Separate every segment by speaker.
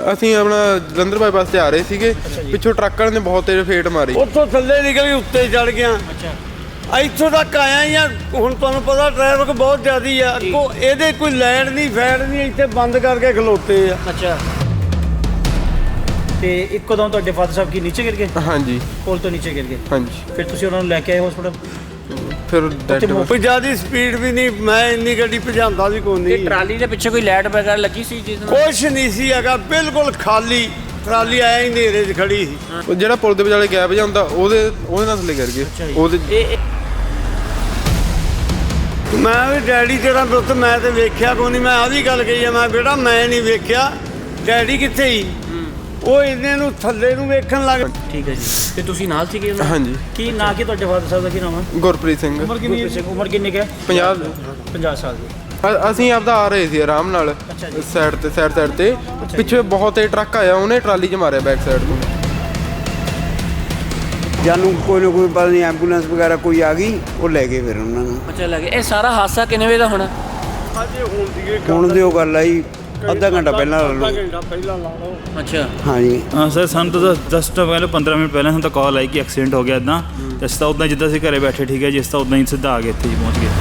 Speaker 1: ਅਸੀਂ ਆਪਣਾ ਜਲੰਧਰ ਬਾਈਪਾਸ ਤੇ ਆ ਰਹੇ ਸੀਗੇ, ਪਿੱਛੋਂ ਟਰੱਕ ਵਾਲੇ ਨੇ ਬਹੁਤ ਤੇਜ਼ ਫੇਟ ਮਾਰੀ,
Speaker 2: ਉੱਥੋਂ ਥੱਲੇ ਨਿਕਲ ਉੱਤੇ ਚੜ ਗਿਆ। ਇੱਥੋਂ ਤੱਕ ਆਇਆ ਹੀ ਆ। ਹੁਣ ਤੁਹਾਨੂੰ ਪਤਾ ਟ੍ਰੈਫਿਕ ਬਹੁਤ ਜ਼ਿਆਦੀ ਆ, ਅੱਗੋਂ ਇਹਦੇ ਕੋਈ ਲੈਣ ਨਹੀਂ ਫੈੜ ਨਹੀਂ, ਇੱਥੇ ਬੰਦ ਕਰਕੇ ਖਲੋਤੇ ਆ।
Speaker 3: ਅੱਛਾ, ਤੇ ਇੱਕੋਦਮ ਤੁਹਾਡੇ ਫਾਦਰ ਸਾਹਿਬ ਕੀ ਨੀਚੇ ਗਿਰ ਗਏ?
Speaker 1: ਹਾਂਜੀ,
Speaker 3: ਪੁਲ ਤੋਂ ਨੀਚੇ ਗਿਰ ਗਏ।
Speaker 1: ਹਾਂਜੀ,
Speaker 3: ਫਿਰ ਤੁਸੀਂ ਉਹਨਾਂ ਨੂੰ ਲੈ ਕੇ ਆਏ ਹਸਪਤਾਲ?
Speaker 1: ਫਿਰ
Speaker 2: ਕੋਈ ਜ਼ਿਆਦਾ ਸਪੀਡ ਵੀ ਨਹੀਂ, ਮੈਂ ਇੰਨੀ ਗੱਡੀ ਭਜਾਉਂਦਾ ਵੀ ਕੋਈ ਨਹੀਂ।
Speaker 3: ਟਰਾਲੀ ਦੇ ਪਿੱਛੇ ਕੋਈ ਲਾਈਟ ਵਗੈਰਾ ਲੱਗੀ ਸੀ ਜਿਸ ਨਾਲ?
Speaker 2: ਕੁਛ ਨਹੀਂ ਸੀ ਹੈਗਾ, ਬਿਲਕੁਲ ਖਾਲੀ ਟਰਾਲੀ ਆਇਆ ਹੀ ਹਨੇਰੇ 'ਚ ਖੜੀ ਸੀ।
Speaker 1: ਉਹ ਜਿਹੜਾ ਪੁਲ ਦੇ ਵਿਚਾਲੇ ਗੈਪ ਜਾਂਦਾ ਉਹਦੇ ਨਾਲ ਥੱਲੇ ਗਿਰ ਗਏ। ਉਹਦੇ
Speaker 2: ਮੈਂ ਵੀ ਡੈਡੀ ਤੇਰਾ ਦੁੱਤ ਮੈਂ ਤੇ ਵੇਖਿਆ ਕੋਈ ਨਹੀਂ। ਮੈਂ ਆ ਵੀ ਗੱਲ ਕਹੀ ਆ, ਮੈਂ ਬੇਟਾ ਮੈਂ ਨਹੀਂ ਵੇਖਿਆ, ਡੈਡੀ ਕਿੱਥੇ ਹੀ? ਉਹ ਇਹਨੇ ਨੂੰ ਥੱਲੇ ਨੂੰ ਵੇਖਣ ਲੱਗ।
Speaker 3: ਠੀਕ ਹੈ ਜੀ, ਤੇ ਤੁਸੀਂ ਨਾਲ ਸੀਗੇ?
Speaker 1: ਹਾਂਜੀ।
Speaker 3: ਕੀ ਨਾਂ ਕੀ ਤੁਹਾਡੇ ਫਾਦਰ ਸਾਹਿਬ ਦਾ, ਕੀ ਨਾਮ ਹੈ?
Speaker 1: ਗੁਰਪ੍ਰੀਤ ਸਿੰਘ।
Speaker 3: ਉਮਰ ਕਿੰਨੀ ਹੈ? 50 ਸਾਲ ਦੀ।
Speaker 1: ਅਸੀਂ ਆਪਦਾ ਆ ਰਹੇ ਸੀ ਆਰਾਮ ਨਾਲ, ਸਾਈਡ ਤੇ ਪਿੱਛੇ ਬਹੁਤ ਤੇਜ਼ ਟਰੱਕ ਆਇਆ, ਉਹਨੇ ਟਰਾਲੀ 'ਚ ਮਾਰਿਆ ਬੈਕ ਸਾਈਡ ਤੋਂ।
Speaker 2: ਜਾਨੂੰ ਕੋਈ ਨਾ ਕੋਈ ਪਤਾ ਨਹੀਂ, ਐਂਬੂਲੈਂਸ ਵਗੈਰਾ ਕੋਈ ਆ ਗਈ, ਉਹ ਲੈ ਗਏ ਫਿਰ ਉਹਨਾਂ ਨੂੰ।
Speaker 3: ਅੱਛਾ, ਲੈ ਗਏ। ਇਹ ਸਾਰਾ ਹਾਦਸਾ ਕਿੰਨੇ ਵਜੇ ਦਾ ਹੋਣਾ?
Speaker 2: ਹੁਣ ਦੀ ਉਹ ਗੱਲ ਆਈ ਅੱਧਾ ਘੰਟਾ ਪਹਿਲਾਂ ਲਾ ਲਓ।
Speaker 3: ਅੱਛਾ,
Speaker 2: ਹਾਂਜੀ
Speaker 4: ਹਾਂ ਸਰ, ਸਾਨੂੰ ਤਾਂ ਜਸਟ ਪਹਿਲਾਂ 15 ਮਿੰਟ ਪਹਿਲਾਂ ਸਾਨੂੰ ਤਾਂ ਕਾਲ ਆਈ ਕਿ ਐਕਸੀਡੈਂਟ ਹੋ ਗਿਆ ਇੱਦਾਂ। ਅਸੀਂ ਤਾਂ ਉੱਦਾਂ ਜਿੱਦਾਂ ਅਸੀਂ ਘਰੇ ਬੈਠੇ, ਠੀਕ ਹੈ ਜੀ, ਅਸੀਂ ਤਾਂ ਉੱਦਾਂ ਹੀ ਸਿੱਧਾ ਆ ਗਏ, ਇੱਥੇ ਹੀ ਪਹੁੰਚ ਗਏ।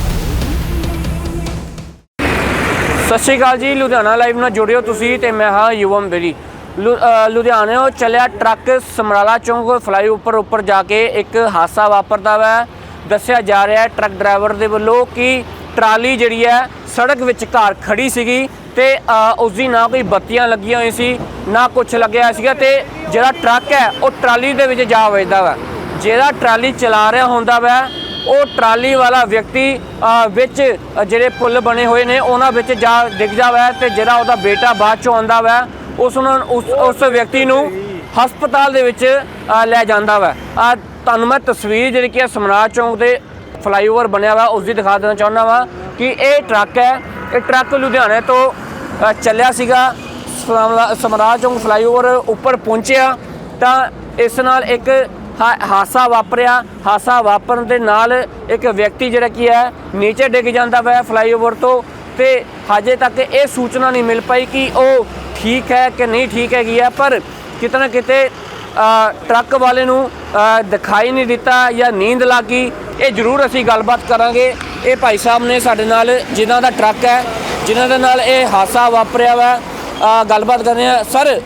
Speaker 3: ਸਤਿ ਸ਼੍ਰੀ ਅਕਾਲ ਜੀ, ਲੁਧਿਆਣਾ ਲਾਈਵ ਨਾਲ ਜੁੜਿਓ ਤੁਸੀਂ ਤੇ ਮੈਂ ਹਾਂ ਯੁਵਮ ਬੇਰੀ। ਲੁਧਿਆਣਿਓਂ ਚੱਲਿਆ ਟਰੱਕ ਸਮਰਾਲਾ ਚੌਂਕ ਫਲਾਈਓਵਰ ਉੱਪਰ ਜਾ ਕੇ ਇੱਕ ਹਾਦਸਾ ਵਾਪਰਦਾ ਵਾ। ਦੱਸਿਆ ਜਾ ਰਿਹਾ ਹੈ ਟਰੱਕ ਡਰਾਈਵਰ ਦੇ ਵੱਲੋਂ ਕਿ ਟਰਾਲੀ ਜਿਹੜੀ ਹੈ ਸੜਕ ਵਿਚਕਾਰ ਖੜੀ ਸੀਗੀ ਤੇ ਉਸ ਦੀ ਨਾ ਕੋਈ ਬੱਤੀਆਂ ਲੱਗੀਆਂ ਹੋਈਆਂ ਸੀ, ਨਾ ਕੁਛ ਲੱਗਿਆ ਸੀਗਾ, ਤੇ ਜਿਹੜਾ ਟਰੱਕ ਹੈ ਉਹ ਟਰਾਲੀ ਦੇ ਵਿੱਚ ਜਾ ਵੱਜਦਾ ਵਾ। ਜਿਹੜਾ ਟਰਾਲੀ ਚਲਾ ਰਿਹਾ ਹੁੰਦਾ ਵਾ ਉਹ ਟਰਾਲੀ ਵਾਲਾ ਵਿਅਕਤੀ ਵਿੱਚ ਜਿਹੜੇ ਪੁੱਲ ਬਣੇ ਹੋਏ ਨੇ ਉਹਨਾਂ ਵਿੱਚ ਜਾ ਡਿੱਗਦਾ ਵਾ, ਤੇ ਜਿਹੜਾ ਉਹਦਾ ਬੇਟਾ ਬਾਅਦ ਚੋਂ ਆਉਂਦਾ ਵਾ ਉਸ ਵਿਅਕਤੀ ਨੂੰ ਹਸਪਤਾਲ ਦੇ ਵਿੱਚ ਲੈ ਜਾਂਦਾ ਵਾ। ਤੁਹਾਨੂੰ ਮੈਂ ਤਸਵੀਰ ਜਿਹੜੀ ਕਿ ਸਮਰਾਲਾ ਚੌਂਕ ਦੇ ਫਲਾਈਓਵਰ ਬਣਿਆ ਵਾ ਉਸ ਦੀ ਦਿਖਾ ਦੇਣਾ ਚਾਹੁੰਦਾ ਵਾ ਕਿ ਇਹ ਟਰੱਕ ਹੈ। ਇਹ ਟਰੱਕ ਲੁਧਿਆਣੇ ਤੋਂ ਚੱਲਿਆ ਸੀਗਾ, ਸਮਰਾਲਾ ਚੌਂਕ ਫਲਾਈਓਵਰ ਉੱਪਰ ਪਹੁੰਚਿਆ ਤਾਂ ਇਸ ਨਾਲ ਇੱਕ ਹਾਦਸਾ ਵਾਪਰਿਆ। ਹਾਦਸਾ ਵਾਪਰਨ ਦੇ ਨਾਲ ਇੱਕ ਵਿਅਕਤੀ ਜਿਹੜਾ ਕੀ ਹੈ ਨੀਚੇ ਡਿੱਗ ਜਾਂਦਾ ਵਾ ਫਲਾਈਓਵਰ ਤੋਂ, ਤੇ ਹਜੇ ਤੱਕ ਇਹ ਸੂਚਨਾ ਨਹੀਂ ਮਿਲ ਪਾਈ ਕਿ ਉਹ ਠੀਕ ਹੈ ਕਿ ਨਹੀਂ ਠੀਕ ਹੈਗੀ ਹੈ, ਪਰ ਕਿਤੇ ਨਾ ਕਿਤੇ ਟਰੱਕ ਵਾਲੇ ਨੂੰ ਦਿਖਾਈ ਨਹੀਂ ਦਿੱਤਾ ਜਾਂ ਨੀਂਦ ਲੱਗ ਗਈ। ਇਹ ਜ਼ਰੂਰ ਅਸੀਂ ਗੱਲਬਾਤ ਕਰਾਂਗੇ। ਇਹ ਭਾਈ ਸਾਹਿਬ ਨੇ ਸਾਡੇ ਨਾਲ, ਜਿਨ੍ਹਾਂ ਦਾ ਟਰੱਕ ਹੈ, ਜਿਨ੍ਹਾਂ ਦੇ ਨਾਲ ਇਹ ਹਾਦਸਾ ਵਾਪਰਿਆ ਵਾ, ਗੱਲਬਾਤ ਕਰਦੇ ਹਾਂ।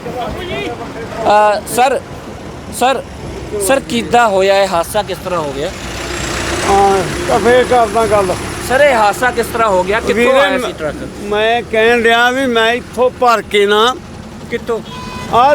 Speaker 3: ਸਰ ਕਿੱਦਾਂ ਹੋਇਆ ਇਹ ਹਾਦਸਾ, ਕਿਸ ਤਰ੍ਹਾਂ ਹੋ ਗਿਆ?
Speaker 2: ਤਾਂ ਫੇਰ ਕਰਦਾ ਗੱਲ।
Speaker 3: ਸਰ ਇਹ ਹਾਦਸਾ ਕਿਸ ਤਰ੍ਹਾਂ ਹੋ ਗਿਆ, ਕਿੱਥੋਂ ਆਇਆ ਸੀ ਟਰੱਕ?
Speaker 2: ਮੈਂ ਕਹਿਣ ਰਿਹਾ ਵੀ ਮੈਂ ਇੱਥੋਂ ਭਰ ਕੇ ਨਾ,
Speaker 3: ਕਿੱਥੋਂ?
Speaker 2: ਆ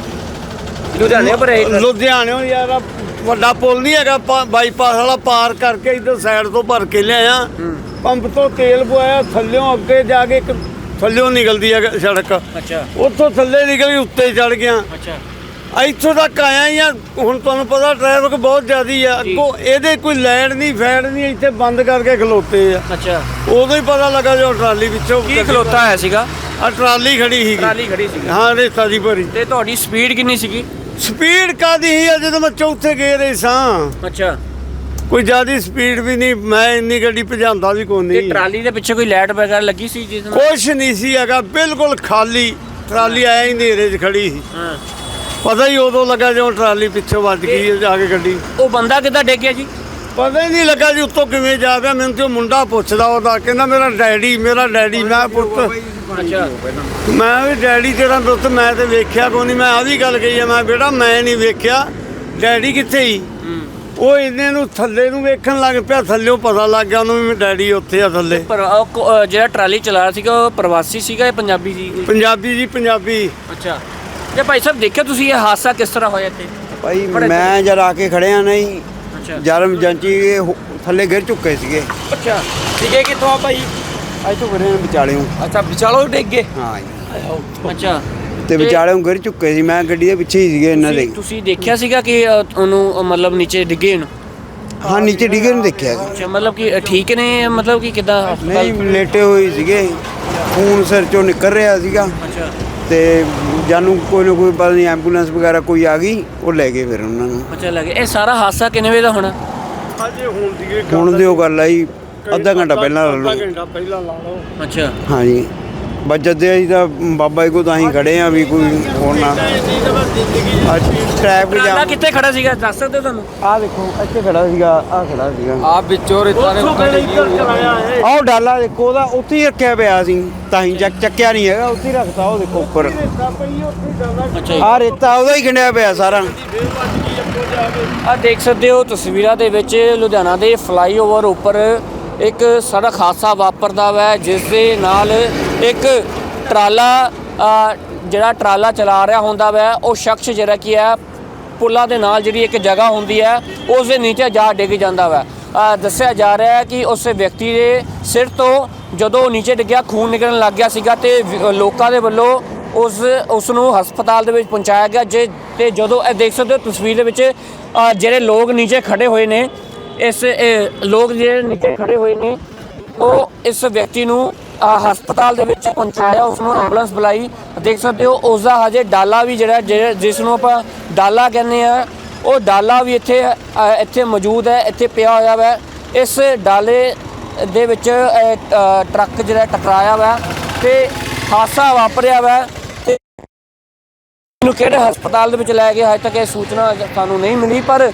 Speaker 3: ਲੁਧਿਆਣੇ
Speaker 2: ਲੁਧਿਆਣਿਓਂ ਯਾਰ ਵੱਡਾ ਪੁਲ ਨਹੀਂ ਹੈਗਾ, ਬਾਈਪਾਸ ਵਾਲਾ, ਪਾਰ ਕਰਕੇ ਇੱਧਰ ਸਾਈਡ ਤੋਂ ਭਰ ਕੇ ਲਿਆਇਆ। ਪੰਪ ਤੋਂ ਤੇਲ ਪਵਾਇਆ, ਥੱਲਿਓਂ ਅੱਗੇ ਜਾ ਕੇ ਇੱਕ ਥੱਲਿਓਂ ਨਿਕਲਦੀ ਹੈ ਸੜਕ।
Speaker 3: ਅੱਛਾ,
Speaker 2: ਉੱਥੋਂ ਥੱਲੇ ਨਿਕਲ ਕੇ ਉੱਤੇ ਚੜ ਗਿਆ।
Speaker 3: ਅੱਛਾ,
Speaker 2: ਇੱਥੋਂ ਤੱਕ ਆਇਆ ਹੀ ਆ। ਹੁਣ ਤੁਹਾਨੂੰ ਪਤਾ ਟ੍ਰੈਫਿਕ ਬਹੁਤ ਜ਼ਿਆਦੀ ਆ, ਅੱਗੋਂ ਇਹਦੇ ਕੋਈ ਲੈਣ ਨਹੀਂ ਫੈੜ ਨਹੀਂ, ਇੱਥੇ ਬੰਦ ਕਰਕੇ ਖਲੋਤੇ ਆ।
Speaker 3: ਅੱਛਾ,
Speaker 2: ਉਦੋਂ ਹੀ ਪਤਾ ਲੱਗਾ ਜੋ ਟਰਾਲੀ ਵਿੱਚੋਂ
Speaker 3: ਕੀ ਖਲੋਤਾ ਹੋਇਆ ਸੀਗਾ?
Speaker 2: ਆ ਟਰਾਲੀ ਖੜੀ ਸੀਗੀ।
Speaker 3: ਟਰਾਲੀ ਖੜੀ ਸੀ?
Speaker 2: ਹਾਂ, ਰੇਤਾ ਦੀ ਭਰੀ।
Speaker 3: ਤੇ ਤੁਹਾਡੀ ਸਪੀਡ ਕਿੰਨੀ ਸੀਗੀ?
Speaker 2: ਸਪੀਡ ਕਾਦੀ ਸੀ? ਜਦੋਂ ਮੈਂ ਚੌਥੇ ਗੇਰੇ ਸਾਂ।
Speaker 3: ਅੱਛਾ,
Speaker 2: ਕੋਈ ਜ਼ਿਆਦਾ ਸਪੀਡ ਵੀ ਨਹੀਂ, ਮੈਂ ਇੰਨੀ ਗੱਡੀ ਭਜਾਉਂਦਾ ਵੀ ਕੋਈ
Speaker 3: ਤੇ
Speaker 2: ਨਹੀਂ।
Speaker 3: ਟਰਾਲੀ ਦੇ ਪਿੱਛੇ ਕੋਈ ਲਾਈਟ ਵਗੈਰਾ ਲੱਗੀ ਸੀ ਜਿਸ ਨਾਲ?
Speaker 2: ਕੁਛ ਨਹੀਂ ਸੀ ਹੈਗਾ, ਬਿਲਕੁਲ ਖਾਲੀ ਟਰਾਲੀ ਆਇਆ ਹੀ ਹਨੇਰੇ 'ਚ ਖੜੀ ਸੀ।
Speaker 3: ਹਾਂ,
Speaker 2: ਪਤਾ ਹੀ ਉਦੋਂ ਲੱਗਾ ਜਦੋਂ ਟਰਾਲੀ ਪਿੱਛੋਂ ਵੱਜ ਗਈ ਜਾ ਕੇ ਗੱਡੀ।
Speaker 3: ਉਹ ਬੰਦਾ ਕਿੱਦਾਂ ਡਿੱਗਿਆ ਜੀ?
Speaker 2: ਪਤਾ ਹੀ ਨਹੀਂ ਲੱਗਾ ਜੀ ਉੱਤੋਂ ਕਿਵੇਂ ਜਾ ਪਿਆ। ਮੈਨੂੰ ਤੇ ਉਹ ਮੁੰਡਾ ਪੁੱਛਦਾ, ਉਹਦਾ ਕਹਿੰਦਾ ਮੇਰਾ ਡੈਡੀ। ਮੈਂ ਪੁੱਤ,
Speaker 3: ਅੱਛਾ,
Speaker 2: ਮੈਂ ਵੀ ਡੈਡੀ ਤੇਰਾ ਦੁੱਤ ਮੈਂ ਤੇ ਵੇਖਿਆ ਕੋਈ ਨਹੀਂ। ਮੈਂ ਆ ਵੀ ਗੱਲ ਕਹੀ ਆ, ਮੈਂ ਬੇਟਾ ਮੈਂ ਨਹੀਂ ਵੇਖਿਆ, ਡੈਡੀ ਕਿੱਥੇ ਹੀ? ਉਹ ਇਹਨੇ ਨੂੰ ਥੱਲੇ ਨੂੰ ਵੇਖਣ ਲੱਗ ਪਿਆ, ਥੱਲਿਓਂ ਪਤਾ ਲੱਗ ਗਿਆ ਉਹਨੂੰ ਵੀ ਡੈਡੀ ਉੱਥੇ ਆ ਥੱਲੇ।
Speaker 3: ਪਰ ਜਿਹੜਾ ਟਰਾਲੀ ਚਲਾ ਰਿਹਾ ਸੀਗਾ ਉਹ ਪ੍ਰਵਾਸੀ ਸੀਗਾ, ਇਹ ਪੰਜਾਬੀ ਸੀ?
Speaker 2: ਪੰਜਾਬੀ ਜੀ, ਪੰਜਾਬੀ।
Speaker 3: ਅੱਛਾ, ਤੇ ਭਾਈ ਸਾਹਿਬ ਦੇਖਿਆ ਤੁਸੀਂ ਇਹ ਹਾਦਸਾ ਕਿਸ ਤਰ੍ਹਾਂ ਹੋਇਆ ਇੱਥੇ?
Speaker 2: ਭਾਈ ਮੈਂ ਜਦ ਆ ਕੇ ਖੜਿਆ ਨਹੀਂ,
Speaker 3: ਅੱਛਾ,
Speaker 2: ਜਰਮ ਜਾਂਚੀ ਥੱਲੇ ਗਿਰ ਚੁੱਕੇ ਸੀਗੇ।
Speaker 3: ਅੱਛਾ, ਠੀਕ ਹੈ। ਕਿੱਥੋਂ ਆ ਭਾਈ?
Speaker 2: ਅੱਜ ਤੋਂ ਖੜੇ ਵਿਚਾਲਿਓਂ।
Speaker 3: ਅੱਛਾ, ਵਿਚਾਲੋਂ ਡਿੱਗ ਗਏ?
Speaker 2: ਹਾਂ ਜੀ।
Speaker 3: ਅੱਛਾ,
Speaker 2: ਤੇ ਵਿਚਾਲਿਓਂ ਗਿਰ ਚੁੱਕੇ ਸੀ, ਮੈਂ ਗੱਡੀ ਦੇ ਪਿੱਛੇ ਹੀ ਸੀਗੇ ਇਹਨਾਂ ਦੇ।
Speaker 3: ਤੁਸੀਂ ਦੇਖਿਆ ਸੀਗਾ ਕਿ ਉਹਨੂੰ ਮਤਲਬ ਨੀਚੇ ਡਿੱਗੇ ਨੂੰ?
Speaker 2: ਹਾਂ, ਨੀਚੇ ਡਿੱਗੇ ਨੂੰ ਦੇਖਿਆ ਸੀ।
Speaker 3: ਅੱਛਾ, ਮਤਲਬ ਕਿ ਠੀਕ ਨੇ, ਮਤਲਬ ਕਿ ਕਿੱਦਾਂ?
Speaker 2: ਨਹੀਂ, ਲੇਟੇ ਹੋਏ ਸੀਗੇ, ਖੂਨ ਸਿਰ ਚੋਂ ਨਿਕਲ ਰਿਹਾ ਸੀਗਾ।
Speaker 3: ਅੱਛਾ,
Speaker 2: ਤੇ ਜਾਨੂੰ ਕੋਈ ਨਾ ਕੋਈ ਪਤਾ ਨਹੀਂ, ਐਂਬੂਲੈਂਸ ਵਗੈਰਾ ਕੋਈ ਆ ਗਈ, ਉਹ ਲੈ ਗਏ ਫਿਰ ਉਹਨਾਂ ਨੂੰ।
Speaker 3: ਅੱਛਾ, ਲੱਗੇ। ਇਹ ਸਾਰਾ ਹਾਦਸਾ ਕਿੰਨੇ ਵਜੇ ਦਾ ਹੋਣਾ?
Speaker 2: ਹੁਣ ਦੀ ਉਹ ਗੱਲ ਆਈ ਅੱਧਾ ਘੰਟਾ ਪਹਿਲਾਂ ਲਾ ਲਓ।
Speaker 3: ਅੱਛਾ,
Speaker 2: ਹਾਂਜੀ। ਬਸ ਜਦੇ ਅਸੀਂ ਤਾਂ ਬਾਬਾ ਜੀ ਕੋ ਤਾਂ ਹੀ ਖੜੇ ਆ ਵੀ ਕੋਈ ਹੋਰ ਨਾ ਟ੍ਰੈਫਿਕ
Speaker 3: ਟਰਾਲਾ
Speaker 2: ਜਾਮ।
Speaker 3: ਕਿੱਥੇ ਖੜਾ ਸੀਗਾ ਦੱਸ ਸਕਦੇ ਹੋ ਤੁਹਾਨੂੰ?
Speaker 2: ਆਹ ਦੇਖੋ ਇੱਥੇ ਖੜਾ ਸੀਗਾ, ਆਹ ਖੜਾ ਸੀਗਾ,
Speaker 1: ਆ ਵਿੱਚੋਂ ਰੇਤਾ ਨੇ
Speaker 2: ਆਹ ਡਾਲਾ ਦੇਖੋ ਉਹਦਾ ਉੱਥੇ ਹੀ ਰੱਖਿਆ ਪਿਆ ਸੀ, ਤਾਂ ਹੀ ਚੱਕਿਆ ਨਹੀਂ ਹੈਗਾ, ਉੱਥੇ ਹੀ ਰੱਖਤਾ ਉਹ ਦੇਖੋ ਉੱਪਰ।
Speaker 3: ਅੱਛਾ ਜੀ।
Speaker 2: ਆਹ ਰੇਤਾ ਉਹਦਾ ਹੀ ਗਿਣਿਆ ਪਿਆ ਸਾਰਾ।
Speaker 3: ਆ ਦੇਖ ਸਕਦੇ ਹੋ ਤਸਵੀਰਾਂ ਦੇ ਵਿੱਚ ਲੁਧਿਆਣਾ ਦੇ ਫਲਾਈਓਵਰ ਉੱਪਰ ਇੱਕ ਸੜਕ ਹਾਦਸਾ ਵਾਪਰਦਾ ਵਾ, ਜਿਸ ਦੇ ਨਾਲ ਇੱਕ ਟਰਾਲਾ ਜਿਹੜਾ ਟਰਾਲਾ ਚਲਾ ਰਿਹਾ ਹੁੰਦਾ ਵਾ, ਉਹ ਸ਼ਖਸ ਜਿਹੜਾ ਕੀ ਹੈ ਪੁੱਲਾਂ ਦੇ ਨਾਲ ਜਿਹੜੀ ਇੱਕ ਜਗ੍ਹਾ ਹੁੰਦੀ ਹੈ ਉਸ ਦੇ ਨੀਚੇ ਜਾ ਡਿੱਗ ਜਾਂਦਾ ਵਾ। ਦੱਸਿਆ ਜਾ ਰਿਹਾ ਹੈ ਕਿ ਉਸ ਵਿਅਕਤੀ ਦੇ ਸਿਰ ਤੋਂ ਜਦੋਂ ਨੀਚੇ ਡਿੱਗਿਆ ਖੂਨ ਨਿਕਲਣ ਲੱਗ ਗਿਆ ਸੀਗਾ ਤੇ ਲੋਕਾਂ ਦੇ ਵੱਲੋਂ ਉਸ ਨੂੰ ਹਸਪਤਾਲ ਦੇ ਵਿੱਚ ਪਹੁੰਚਾਇਆ ਗਿਆ। ਤੇ ਜਦੋਂ ਇਹ ਦੇਖ ਸਕਦੇ ਹੋ ਤਸਵੀਰ ਦੇ ਵਿੱਚ ਜਿਹੜੇ ਲੋਕ ਨੀਚੇ ਖੜੇ ਹੋਏ ਨੇ, ਲੋਕ ਜਿਹੜੇ ਨੀਚੇ ਖੜੇ ਹੋਏ ਨੇ ਉਹ ਇਸ ਵਿਅਕਤੀ ਨੂੰ ਹਸਪਤਾਲ ਦੇ ਵਿੱਚ ਪਹੁੰਚਾਇਆ, ਉਸ ਨੂੰ ਐਂਬੂਲੈਂਸ ਬੁਲਾਈ। ਦੇਖ ਸਕਦੇ ਹੋ ਉਸ ਦਾ ਹਜੇ ਡਾਲਾ ਵੀ ਜਿਹੜਾ ਜਿਸ ਨੂੰ ਆਪਾਂ ਡਾਲਾ ਕਹਿੰਦੇ ਆ, ਉਹ ਡਾਲਾ ਵੀ ਇੱਥੇ ਮੌਜੂਦ ਹੈ, ਇੱਥੇ ਪਿਆ ਹੋਇਆ ਵਾ। ਇਸ ਡਾਲੇ ਦੇ ਵਿੱਚ ਟਰੱਕ ਜਿਹੜਾ ਟਕਰਾਇਆ ਵਾ ਤੇ ਹਾਦਸਾ ਵਾਪਰਿਆ ਵਾ। ਤੇ ਇਹਨੂੰ ਕਿਹੜੇ ਹਸਪਤਾਲ ਦੇ ਵਿੱਚ ਲੈ ਗਏ ਹਜੇ ਤੱਕ ਇਹ ਸੂਚਨਾ ਸਾਨੂੰ ਨਹੀਂ ਮਿਲੀ, ਪਰ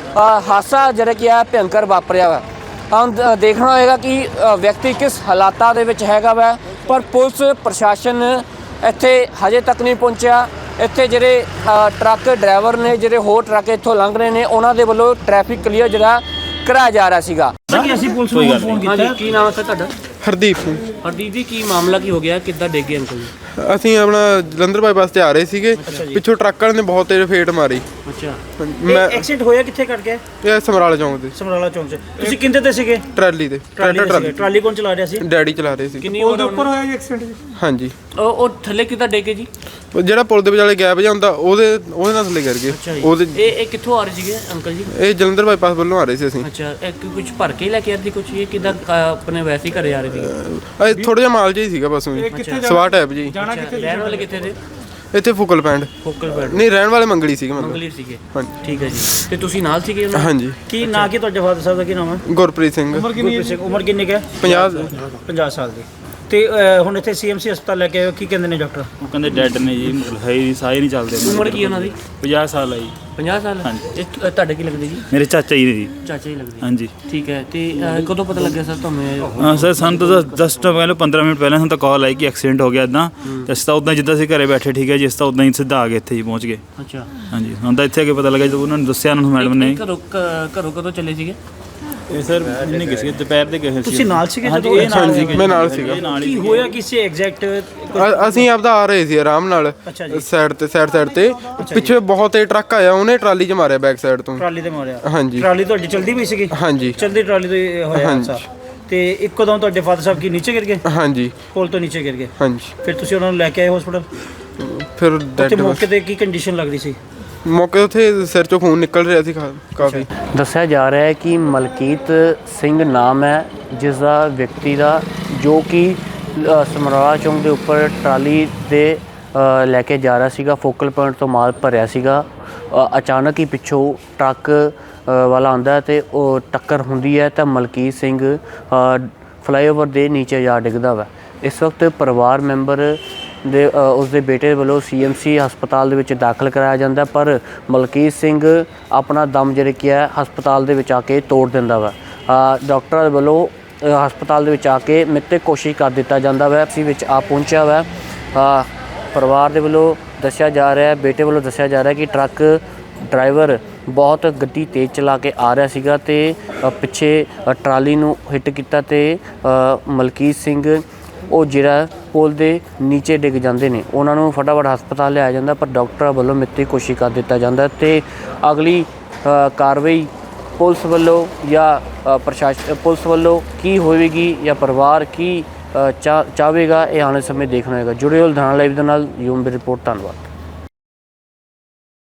Speaker 3: ਹਾਦਸਾ ਜਿਹੜਾ ਕੀ ਹੈ ਭਿਅੰਕਰ ਵਾਪਰਿਆ ਵਾ। ਹੁਣ ਦੇਖਣਾ ਹੋਏਗਾ ਕਿ ਵਿਅਕਤੀ ਕਿਸ ਹਾਲਾਤਾਂ ਦੇ ਵਿੱਚ ਹੈਗਾ ਵਾ, ਪਰ ਪੁਲਿਸ ਪ੍ਰਸ਼ਾਸਨ ਇੱਥੇ ਹਜੇ ਤੱਕ ਨਹੀਂ ਪਹੁੰਚਿਆ। ਇੱਥੇ ਜਿਹੜੇ ਟਰੱਕ ਡਰਾਈਵਰ ਨੇ, ਜਿਹੜੇ ਹੋਰ ਟਰੱਕ ਇੱਥੋਂ ਲੰਘ ਰਹੇ ਨੇ, ਉਹਨਾਂ ਦੇ ਵੱਲੋਂ ਟ੍ਰੈਫਿਕ ਕਲੀਅਰ ਜਿਹੜਾ ਕਰਾਇਆ ਜਾ ਰਿਹਾ ਸੀਗਾ।
Speaker 5: ਅਸੀਂ ਪੁਲਿਸ ਨੂੰ ਫੋਨ ਕੀਤਾ।
Speaker 3: ਹਾਂਜੀ, ਕੀ ਨਾਮ ਹੈ ਸਰ ਤੁਹਾਡਾ?
Speaker 1: ਹਰਦੀਪ ਸਿੰਘ।
Speaker 3: ਹਰਦੀਪ ਜੀ, ਕੀ ਮਾਮਲਾ ਕੀ ਹੋ ਗਿਆ, ਕਿੱਦਾਂ ਡਿੱਗੇ ਅੰਕਲ ਜੀ?
Speaker 1: ਅਸੀਂ ਆਪਣਾ ਜਲੰਧਰ ਬਾਈਪਾਸ ਤੇ ਆ ਰਹੇ ਸੀਗੇ, ਪਿੱਛੋਂ ਟਰੱਕ ਵਾਲੇ ਨੇ ਬਹੁਤ ਤੇਜ਼ ਫੇਟ ਮਾਰੀ।
Speaker 3: ਅੱਛਾ,
Speaker 1: ਮੈਂ
Speaker 5: ਐਕਸੀਡੈਂਟ ਹੋਇਆ ਕਿੱਥੇ ਕਰ ਗਿਆ?
Speaker 1: ਇਹ ਸਮਰਾਲਾ ਚੌਂਕ ਤੇ
Speaker 5: ਸਮਰਾਲਾ ਚੌਂਕ 'ਚ। ਤੁਸੀਂ ਕਿੰਦੇ ਤੇ ਸੀਗੇ?
Speaker 1: ਟਰਾਲੀ ਤੇ ਟਰਾਲੀ
Speaker 5: ਟਰਾਲੀ ਕੌਣ ਚਲਾ ਰਿਹਾ ਸੀ?
Speaker 1: ਡੈਡੀ ਚਲਾ ਰਹੇ ਸੀ।
Speaker 3: ਕਿੰਨੀ ਉਮਰ
Speaker 5: ਉੱਪਰ ਹੋਇਆ ਜੀ ਐਕਸੀਡੈਂਟ?
Speaker 1: ਹਾਂਜੀ,
Speaker 3: ਉਹ ਥੱਲੇ ਕਿੱਦਾਂ ਡਿੱਗੇ ਜੀ?
Speaker 1: ਉਹ ਜਿਹੜਾ ਪੁਲ ਦੇ ਵਿਚਾਲੇ ਗੈਪ ਜਿਹਾ ਹੁੰਦਾ ਉਹਦੇ ਨਾਲ ਥੱਲੇ ਗਿਰ ਗਏ।
Speaker 3: ਅੱਛਾ ਜੀ।
Speaker 1: ਉਹਦੇ
Speaker 3: ਇਹ ਕਿੱਥੋਂ ਆ ਰਹੇ ਸੀਗੇ ਅੰਕਲ ਜੀ?
Speaker 1: ਇਹ ਜਲੰਧਰ ਬਾਈਪਾਸ ਵੱਲੋਂ ਆ ਰਹੇ ਸੀ ਅਸੀਂ।
Speaker 3: ਅੱਛਾ, ਇਹ ਕੁਝ ਭਰ ਕੇ ਲੈ ਕੇ ਆਏ ਸੀ ਕੁਝ? ਇਹ ਕਿੱਦਾਂ ਆਪਣੇ ਵੈਸੇ ਹੀ ਘਰੇ ਆ ਰਹੇ ਸੀਗੇ?
Speaker 1: ਇਹ ਥੋੜਾ ਜਿਹਾ ਮਾਲ ਜਿਹਾ ਹੀ ਸੀਗਾ ਬਸ ਉਹੀ ਸਵਾ ਟੈਪ ਜੀ।
Speaker 3: ਅੱਛਾ, ਰਹਿਣ ਵਾਲੇ ਕਿੱਥੇ ਦੇ?
Speaker 1: ਇੱਥੇ ਫੁਕਲ ਪੈਂਡ
Speaker 3: ਫੋਕਲ ਪੈਡ
Speaker 1: ਨਹੀਂ, ਰਹਿਣ ਵਾਲੇ ਮੰਗਲੀ ਸੀਗੇ ਮਤਲਬ।
Speaker 3: ਮੰਗਲੀ ਸੀਗੇ।
Speaker 1: ਹਾਂਜੀ।
Speaker 3: ਠੀਕ ਹੈ ਜੀ। ਤੇ ਤੁਸੀਂ ਨਾਲ ਸੀਗੇ ਉਹਨਾਂ ਦੇ?
Speaker 1: ਹਾਂਜੀ।
Speaker 5: ਕੀ ਨਾਂ ਕੀ ਤੁਹਾਡੇ ਫਾਦਰ ਸਾਹਿਬ ਦਾ ਕੀ ਨਾਮ ਹੈ?
Speaker 1: ਗੁਰਪ੍ਰੀਤ ਸਿੰਘ।
Speaker 5: ਉਮਰ ਕਿੰਨੀ ਕੁ ਹੈ?
Speaker 1: 50
Speaker 5: 50 ਸਾਲ ਦੀ। ਤੇ ਹੁਣ ਇੱਥੇ ਸੀਐਮਸੀ ਹਸਪਤਾਲ ਲੈ ਕੇ ਆਏ ਹੋ, ਕੀ ਕਹਿੰਦੇ ਨੇ ਡਾਕਟਰ?
Speaker 4: ਉਹ ਕਹਿੰਦੇ ਡੈਡ ਨੇ ਜੀ, ਮਤਲਬ ਹੈ ਹੀ ਸਾਹ ਹੀ ਨਹੀਂ ਚੱਲਦੇ।
Speaker 3: ਉਮਰ ਕੀ ਉਹਨਾਂ ਦੀ?
Speaker 4: 50 ਸਾਲ ਆ ਜੀ।
Speaker 3: 50 ਸਾਲ?
Speaker 4: ਹਾਂਜੀ।
Speaker 3: ਇਹ ਤੁਹਾਡੇ ਕੀ ਲੱਗਦੇ ਜੀ?
Speaker 4: ਮੇਰੇ ਚਾਚਾ ਜੀ ਨੇ ਜੀ।
Speaker 3: ਚਾਚਾ ਹੀ ਲੱਗਦੇ?
Speaker 4: ਹਾਂਜੀ।
Speaker 3: ਠੀਕ ਹੈ। ਤੇ ਕਦੋਂ ਪਤਾ ਲੱਗਿਆ ਸਰ ਤੁਹਾਨੂੰ ਇਹ?
Speaker 4: ਹਾਂ ਸਰ, ਸਾਨੂੰ ਤਾਂ ਜਸਟ ਪਹਿਲਾਂ 15 ਮਿੰਟ ਪਹਿਲਾਂ ਸਾਨੂੰ ਤਾਂ ਕਾਲ ਆਈ ਕਿ ਐਕਸੀਡੈਂਟ ਹੋ ਗਿਆ ਇੱਦਾਂ। ਤੇ ਅਸੀਂ ਤਾਂ ਉੱਦਾਂ ਜਿੱਦਾਂ ਅਸੀਂ ਘਰੇ ਬੈਠੇ ਠੀਕ ਹੈ ਜੀ, ਅਸੀਂ ਤਾਂ ਉੱਦਾਂ ਹੀ ਸਿੱਧਾ ਆ ਗਏ, ਇੱਥੇ ਹੀ ਪਹੁੰਚ ਗਏ।
Speaker 3: ਅੱਛਾ।
Speaker 4: ਹਾਂਜੀ, ਹੁਣ ਤਾਂ ਇੱਥੇ ਆ ਕੇ ਪਤਾ ਲੱਗਾ ਜਦੋਂ ਉਹਨਾਂ ਨੇ ਦੱਸਿਆ, ਉਹਨਾਂ ਨੂੰ ਮੈਡਮ ਨੇ।
Speaker 3: ਘਰੋਂ ਕਦੋਂ ਚੱਲੇ ਸੀਗੇ?
Speaker 4: ਇਹ ਸਰ ਨਹੀਂ ਗਏ ਸੀ, ਦੁਪਹਿਰ ਦੇ ਗਏ ਸੀ।
Speaker 5: ਤੁਸੀਂ ਨਾਲ ਸੀਗੇ
Speaker 4: ਹਾਂਜੀ,
Speaker 5: ਜਦੋਂ?
Speaker 4: ਇਹ ਨਾਲ ਸੀਗੇ।
Speaker 1: ਮੈਂ ਨਾਲ ਸੀਗਾ।
Speaker 5: ਕੀ ਹੋਇਆ ਕਿਸੇ ਐਗਜ਼ੈਕਟ?
Speaker 1: ਅਸੀਂ ਆਪਦਾ ਆ ਰਹੇ ਸੀ ਆਰਾਮ ਨਾਲ
Speaker 5: ਅੱਛਾ ਜੀ।
Speaker 1: ਸਾਈਡ ਤੇ ਪਿੱਛੇ ਬਹੁਤ ਤੇਜ਼ ਟਰੱਕ ਆਇਆ, ਉਹਨੇ ਟਰਾਲੀ 'ਚ ਮਾਰਿਆ ਬੈਕ ਸਾਈਡ ਤੋਂ।
Speaker 5: ਟਰਾਲੀ ਤੇ ਮਾਰਿਆ?
Speaker 1: ਹਾਂਜੀ।
Speaker 5: ਟਰਾਲੀ ਤੁਹਾਡੀ ਚਲਦੀ ਪਈ ਸੀਗੀ?
Speaker 1: ਹਾਂਜੀ।
Speaker 5: ਚਲਦੀ ਟਰਾਲੀ ਤੋਂ ਇਹ ਹੋਇਆ
Speaker 1: ਹਾਂਜੀ।
Speaker 5: ਹਾਦਸਾ। ਤੇ ਇੱਕੋਦਮ ਤੁਹਾਡੇ ਫਾਦਰ ਸਾਹਿਬ ਕੀ ਨੀਚੇ ਗਿਰ ਗਏ?
Speaker 1: ਹਾਂਜੀ।
Speaker 5: ਪੁਲ ਤੋਂ ਨੀਚੇ ਗਿਰ ਗਏ?
Speaker 1: ਹਾਂਜੀ।
Speaker 5: ਫਿਰ ਤੁਸੀਂ ਉਹਨਾਂ ਨੂੰ ਲੈ ਕੇ ਆਏ ਹਸਪੀਟਲ?
Speaker 1: ਫਿਰ
Speaker 5: ਉੱਥੇ
Speaker 1: ਡੈਡ
Speaker 5: ਮੌਕੇ ਤੇ ਕੀ ਕੰਡੀਸ਼ਨ ਲੱਗ ਰਹੀ ਸੀ?
Speaker 1: ਮੌਕੇ ਉੱਥੇ ਸਿਰ 'ਚੋਂ ਖੂਨ ਨਿਕਲ ਰਿਹਾ ਸੀ ਕਾਫੀ।
Speaker 3: ਦੱਸਿਆ ਜਾ ਰਿਹਾ ਹੈ ਕਿ ਮਲਕੀਤ ਸਿੰਘ ਨਾਮ ਹੈ ਜਿਸ ਦਾ ਵਿਅਕਤੀ ਦਾ, ਜੋ ਕਿ ਸਮਰਾਲਾ ਚੌਂਕ ਦੇ ਉੱਪਰ ਟਰਾਲੀ ਦੇ ਲੈ ਕੇ ਜਾ ਰਿਹਾ ਸੀਗਾ, ਫੋਕਲ ਪੁਆਇੰਟ ਤੋਂ ਮਾਲ ਭਰਿਆ ਸੀਗਾ। ਅਚਾਨਕ ਹੀ ਪਿੱਛੋਂ ਟਰੱਕ ਵਾਲਾ ਆਉਂਦਾ ਹੈ ਤੇ ਉਹ ਟੱਕਰ ਹੁੰਦੀ ਹੈ ਤਾਂ ਮਲਕੀਤ ਸਿੰਘ ਫਲਾਈਓਵਰ ਦੇ ਨੀਚੇ ਜਾ ਡਿੱਗਦਾ ਵਾ। ਇਸ ਵਕਤ ਪਰਿਵਾਰ ਮੈਂਬਰ ਦੇ ਉਸਦੇ ਬੇਟੇ ਵੱਲੋਂ ਸੀਐਮਸੀ ਹਸਪਤਾਲ ਦੇ ਵਿੱਚ ਦਾਖਲ ਕਰਾਇਆ ਜਾਂਦਾ, ਪਰ ਮਲਕੀਤ ਸਿੰਘ ਆਪਣਾ ਦਮ ਜਿਹੜਾ ਕੀ ਹੈ ਹਸਪਤਾਲ ਦੇ ਵਿੱਚ ਆ ਕੇ ਤੋੜ ਦਿੰਦਾ ਵਾ। ਡਾਕਟਰਾਂ ਦੇ ਵੱਲੋਂ ਹਸਪਤਾਲ ਦੇ ਵਿੱਚ ਆ ਕੇ ਮਿੱਤੇ ਕੋਸ਼ਿਸ਼ ਕਰ ਦਿੱਤਾ ਜਾਂਦਾ ਵਾ। ਸੀ ਵਿੱਚ ਆ ਪਹੁੰਚਿਆ ਵਾ। ਪਰਿਵਾਰ ਦੇ ਵੱਲੋਂ ਦੱਸਿਆ ਜਾ ਰਿਹਾ, ਬੇਟੇ ਵੱਲੋਂ ਦੱਸਿਆ ਜਾ ਰਿਹਾ ਕਿ ਟਰੱਕ ਡਰਾਈਵਰ ਬਹੁਤ ਗੱਡੀ ਤੇਜ਼ ਚਲਾ ਕੇ ਆ ਰਿਹਾ ਸੀਗਾ ਤੇ ਪਿੱਛੇ ਟਰਾਲੀ ਨੂੰ ਹਿੱਟ ਕੀਤਾ ਤੇ ਮਲਕੀਤ ਸਿੰਘ ਉਹ ਜਿਹੜਾ ਪੁਲ ਦੇ ਨੀਚੇ ਡਿੱਗ ਜਾਂਦੇ ਨੇ। ਉਹਨਾਂ ਨੂੰ ਫਟਾਫਟ ਹਸਪਤਾਲ ਲਿਆਇਆ ਜਾਂਦਾ, ਪਰ ਡਾਕਟਰਾਂ ਵੱਲੋਂ ਮਿੱਤੀ ਕੋਸ਼ਿਸ਼ ਕਰ ਦਿੱਤਾ ਜਾਂਦਾ ਤੇ ਅਗਲੀ ਕਾਰਵਾਈ ਪੁਲਿਸ ਵੱਲੋਂ ਜਾਂ ਪ੍ਰਸ਼ਾਸਨ ਪੁਲਿਸ ਵੱਲੋਂ ਕੀ ਹੋਵੇਗੀ ਜਾਂ ਪਰਿਵਾਰ ਕੀ ਚਾਹੇਗਾ, ਇਹ ਆਉਣ ਵਾਲੇ ਸਮੇਂ ਦੇਖਣਾ ਹੋਵੇਗਾ। ਜੁੜੇ ਹੋ ਲੁਧਿਆਣਾ ਲਾਈਵ ਦੇ ਨਾਲ, ਯੂਮ ਦੀ ਰਿਪੋਰਟ। ਧੰਨਵਾਦ।